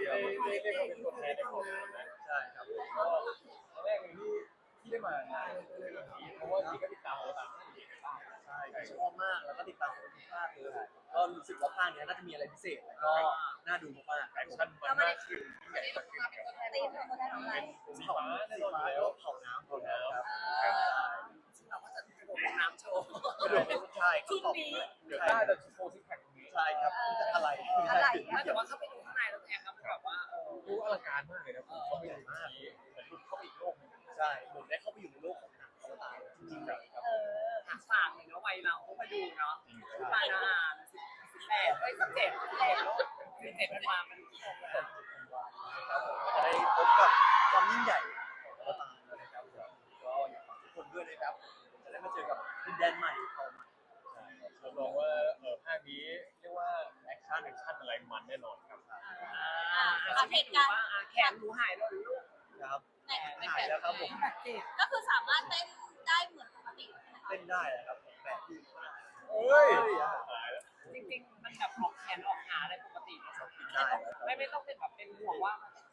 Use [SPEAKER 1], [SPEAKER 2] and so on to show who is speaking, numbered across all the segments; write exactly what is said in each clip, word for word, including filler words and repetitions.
[SPEAKER 1] ได้ได้ได้มาเป็นตัวแทนในของงานนะใช่ครับก็ครั้งแรกเลยที่ที่ได้มางานเรื่องนี้เพราะว่าจริงก็ติดตามเราตามที่เห็นกันบ้างใช่ชอบมากแล้วก็ติดตามทุกภาคเลยก็รู้สึกว่าภาคนี้น่าจะมีอะไรพิเศษแล้วก็น่าดูมากๆแอคชั่นมันมากขึ้นใหญ่มากขึ้นครับเป็นสีฟ้าแน่นอนอยู่แล้วเผาน้ำเผาน้ำครับ
[SPEAKER 2] เราก็จะกระโดดลงน้ำโชว์
[SPEAKER 1] กระโดดใช่ชุดนี้เดี๋ยวได้แต่โชว์ซิกแพคตรงนี้ใช่ครับอะไร
[SPEAKER 2] อะไรแต่ว่าเข้าไปดูข้างในแล้วแอบครับแบบว่าเออ
[SPEAKER 1] ดูอลังการมากเลยนะผมเข้าไปดูมากเหมือนเข้าไปอีกโลกนึงใช่เหมือนได้เข้าไปอยู่ในโลกของหนังอวตารจริงๆครับ
[SPEAKER 2] เออฝากเลยเนาะวัยเรามาดูเนาะปานาสิบแปดเอ้ยสิบเจ็ดสิบเจ็ดแล้วสิบเจ็ดมันมามันกี่คนแล้ว
[SPEAKER 1] ครับผมจะได้พบกับความยิ่งใหญ่ของอวตารนะครับก็อยากฝากทุกคนด้วยนะครับจะได้มาเจอกับดินแดนใหม่ของใหม่ใช่ครับรับรองว่าเออภาคนี้เรียกว่าแอคชั่นแอคชั่นอะไรมันแน่นอนครับ
[SPEAKER 2] อ่าเหตุการณ์แขนหนูหายแล้วลูก
[SPEAKER 1] ครับหายแล้วครับผม
[SPEAKER 3] ก็คือสามารถเต้นได้เหมือนปกติ
[SPEAKER 1] เต้นได้ครับแบบที่เอ้ย
[SPEAKER 2] จริงๆมันแบบออกแขนออกขาได้ปกติไม่ไม่ต้องเป็นแบบเป็นห่วงว่า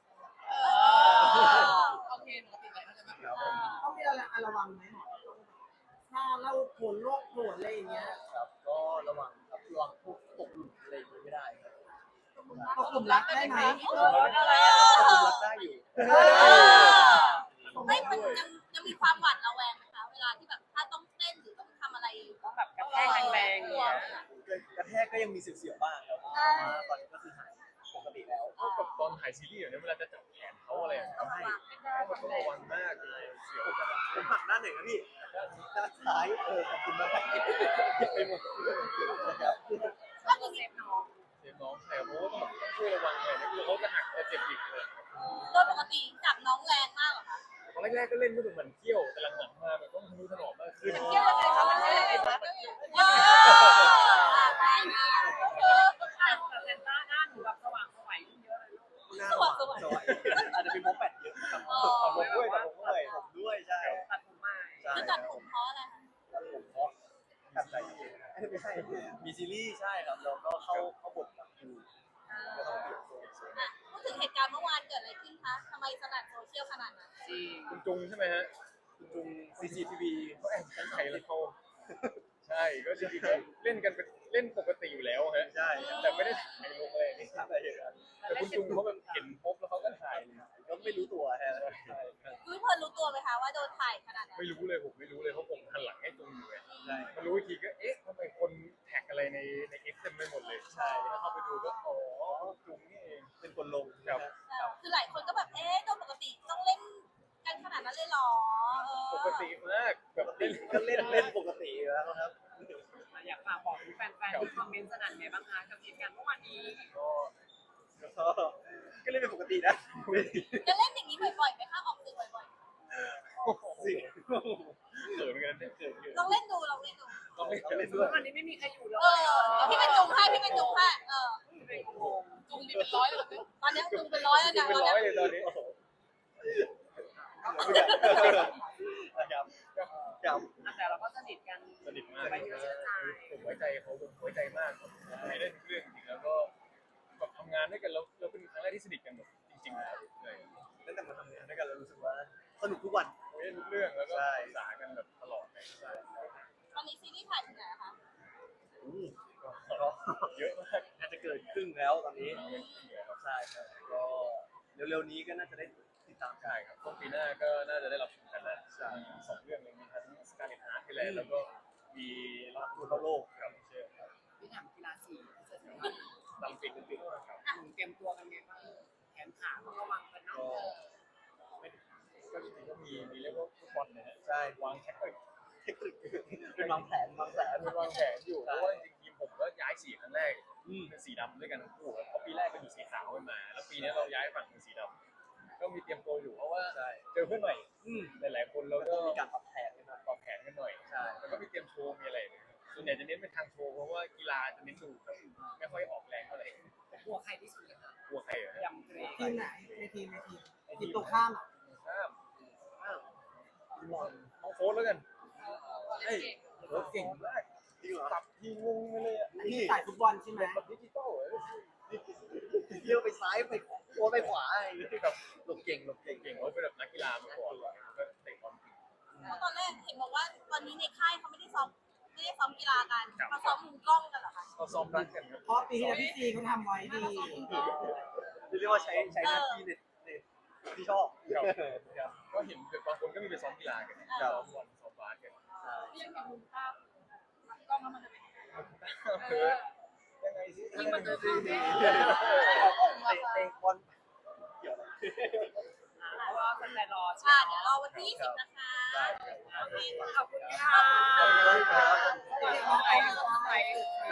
[SPEAKER 2] โอเคปกติเลยใช่ไหม
[SPEAKER 4] ต้องมีอะไรระวังไหมหมอถ้าเราผลโรคผลอะไรอย่างเงี้ย
[SPEAKER 1] ครับก็ระวังครับระวังพวกตกหลุมอะไรไม่ได้
[SPEAKER 4] ตกหลุมรักได้ไหม
[SPEAKER 1] ตกหลุมรักได้อยู่
[SPEAKER 3] ไม่มันยังยังมีความหวาดระแวงไหมคะเวลาที่แบบถ้าต้องเต้นหรือต้องทำอะไร
[SPEAKER 2] ต้องแบบกระแทกแรงๆเนี่ย
[SPEAKER 1] กระแทกก็ยังมีเสียวๆบ้างครับตอนนี้ก็คือหายปกติแล้วกับตอนถ่ายซีรีส์เนี่ยเวลาจะจับแขนเขาอะไรทำให้ต้องระวังมากเลยเสียวผมหักด้านไหนนะพี่ด้านซ้ายเออขอบคุณมากไปหมดนะครับ
[SPEAKER 3] ก็คือเซฟ
[SPEAKER 2] น้อง
[SPEAKER 1] เซฟน้องใช่เพราะว่าต้องต้องช่วยระวังเลยนะคือเขาจะหักจะเจ็บอีกเลย
[SPEAKER 3] โดยปกติจับน้องแรงมากเหรอคะ
[SPEAKER 1] ตอนแรกๆก็เล่นไม่ถึงมันเที่ยวแต่หลังๆมาแบบต้องทะนุถนอมมากขึ้น
[SPEAKER 3] เที่ยวยังไงคะมันเที่ยวยังไงคะเออ
[SPEAKER 2] แต่เซนต้าหน้าหนูแบบสว่างสวยเยอะเลยลูก
[SPEAKER 3] สว่างสวย
[SPEAKER 1] อาจจะเป็นโมแปดเยอะครับตัดผมด้วยตัดผมด้วยผมด้วยใช่
[SPEAKER 2] ตัดผมใหม่
[SPEAKER 3] แล้วตัดผมเพราะอะไร
[SPEAKER 1] ตัดผมเพราะตัดใจเองไม่ใช่มีซีรีส์ใช่ครับเราก็เข้าเข้าบทกับคิวก็ต้องเปลี่ยนตัว
[SPEAKER 3] พูดถึงเหตุการณ์เมื่อวานเกิดอะไรขึ้นคะทำไมสนั่นโซเชียลขนาดนั้น
[SPEAKER 1] คุณจุงใช่ไหมฮะคุณจุง ซี ซี ที วี เขาแอบตั้งใจแล้วเขาใช่ก็จริงๆเล่นกันเป็นเล่นปกติอยู่แล้วฮะใช่แต่ไม่ได้ถ่ายลงเลยนี่อะไรอย่างเงี้ยแต่คุณจุงเขาแบบเห็นพบแล้วเขาก็ถ่ายก็ไม่รู้ตัวฮะใช่
[SPEAKER 3] รู้เพื่อนรู้ตัวไหมคะว่าโดนถ่ายขนาดนั้น
[SPEAKER 1] ไม่รู้เลยผมไม่รู้เลยเพราะผมหันหลังให้จุงอยู่ไงใช่มารู้อีกทีก็เอ๊ะทำไมคนแท็กอะไรในในเอ็กซ์เต็มไปหมดเลยใช่แล้วเข้าไปดูก็อ๋อจุงนี่เองเป็นคนลงครับ
[SPEAKER 3] คือหลายคนก็แบบเอ๊ะโดยปกติต้องเล่นกันขนาดนั้นเลยหรอ
[SPEAKER 1] ปกติมากแบบเล่นก็เล่นเล่นปกติแล้วครับ
[SPEAKER 2] อยากฝากบอกแฟนๆที่คอมเมนต์สนั่นไงบ้างคะกับเหตุการณ์เมื่อวานนี้
[SPEAKER 1] ก็ก็เล่นเป็นปกตินะ
[SPEAKER 3] จะเล่นอย่างนี้บ่อยๆไหมคะออกสื่อบ่อย
[SPEAKER 1] ๆสิเกิดเหมือนกันเกิดอยู่
[SPEAKER 3] ลองเล่นดูลองเล่นดู
[SPEAKER 1] ลองเล่นเล่นดู
[SPEAKER 2] วันนี้ไม่มีใครอยู่เลย
[SPEAKER 3] เออพี่เป็นจุงให้พี่เป็นจุงให้เออจุงมีเป็นร้อยเลยตอนนี้จุงเป็นร้อยแล้วนะ
[SPEAKER 1] เป็นร้อยเลยตอนนี้ครับครับ
[SPEAKER 2] แต่เราก็สนิทกัน
[SPEAKER 1] สนิทมาก
[SPEAKER 2] ไว้เชื่อใจ
[SPEAKER 1] ผมไว้ใจเขาผมไว้ใจมากไม่ได้ทุกเรื่องจริงแล้วก็แบบทำงานด้วยกันแล้วเราเป็นครั้งแรกที่สนิทกันแบบจริงๆเลยตั้งแต่มาทำงานด้วยกันเรารู้สึกว่าสนุกทุกวันคุยทุกเรื่องแล้วก็ปรึกษากันแบบตลอดเลย
[SPEAKER 3] ตอนนี้ซีรีส์ถ่ายถึงไหนคะ
[SPEAKER 1] ก็เยอะมากน่าจะเกินครึ่งแล้วตอนนี้ใช่ครับก็เร็วๆนี้ก็น่าจะได้ติดตามใช่ครับต้นปีหน้าก็น่าจะได้รับชมกันแล้วใช่สองเรื่องเลยมีทั้งสการ์เล็ตฮาร์ทที่แลนด์แล้วก็มีรักทั่วโลกครับเชื่อครับ
[SPEAKER 2] พี่ถามกีฬาสี
[SPEAKER 1] ลำปิดลำปิดครับ
[SPEAKER 2] หนูเตรียมตัวกันไงบ้างแขนขาต้องระวังกันเนาะ
[SPEAKER 1] ก็จริงๆก็มีมีเรียกว่าฟุตบอลนะฮะใช่วางแท็กติกเทคนิคเป็นวางแผนวางแผนเป็นวางแผนอยู่เพราะว่าจริงๆทีมผมก็ย้ายสีครั้งแรกเป็นสีดำด้วยกันทั้งคู่เพราะปีแรกเป็นอยู่สีขาวมาแล้วปีนี้เราย้ายฝั่งเป็นสีดำก็มีเตรียมตัวอยู่เพราะว่าเจอเพื่อนใหม่หลายๆคนแล้วก็มีการปรับแผนกันหน่อยปรับแผนกันหน่อยใช่แล้วก็มีเตรียมโชว์มีอะไรส่วนใหญ่จะเน้นเป็นทางโชว์เพราะว่ากีฬาจะเน้นดูไม่ค่อยออกแรงเท่าไหร่
[SPEAKER 2] กลัวใครที่สุดเลยค่ะ
[SPEAKER 1] กลัวใครเหรอย
[SPEAKER 2] ำเกรง
[SPEAKER 4] ทีมไหนในทีมในทีมทีมตรงข้ามอ่ะ
[SPEAKER 1] ข้ามข้ามบอลน้องโฟร์แล้วกันเฮ้ยโฟร์เก่งมากตับทีงงไปเลยอ่ะ
[SPEAKER 4] นี่สายฟุตบอลใช่ไหม
[SPEAKER 1] แบบดิจิตอลเที่ยวไปซ้ายไปขว
[SPEAKER 5] โอ๊ตไปขวาอะไรอย่างเงี้ยแบบหลบเก่งหลบเก่ง
[SPEAKER 1] เก่งว่าเป็นแบบนักกีฬามาก่อนแล้วก็เตะบอลเก่ง
[SPEAKER 3] เพราะตอนแรกเห็นบอกว่าตอนนี้ในค่ายเขาไม่ได้ซ้อมไม่ได้ซ้อมกีฬากันเขาซ้อมมุมกล้องกันเหรอคะ
[SPEAKER 1] เขาซ้อมรักกันครับ
[SPEAKER 4] เพราะปีที่แล้วพี่ซีเขาทำไว้ดี
[SPEAKER 5] เรียกว่าใช้ใช้หน้าที่ในในที่ชอบ
[SPEAKER 1] ครับครับก็เห็นบางคนก็มีไปซ้อมกีฬากันซ้อมบอลซ้อมบาสกัน
[SPEAKER 3] ยังเห็นมุมภาพกล้องแล้วมันจะเป็นยังไง
[SPEAKER 1] คือยังไงสิ
[SPEAKER 3] นี่มันจะเป็นยังไง
[SPEAKER 5] เตะเตะบอล
[SPEAKER 2] เพราะว่าคนใจรอ
[SPEAKER 3] อ่า
[SPEAKER 2] ใช่ไหม
[SPEAKER 3] เดี๋ยวรอวันที่ยี่สิบนะคะโอเค
[SPEAKER 2] ขอบคุณค่ะ
[SPEAKER 5] ขอบคุณครับ
[SPEAKER 2] ไปไป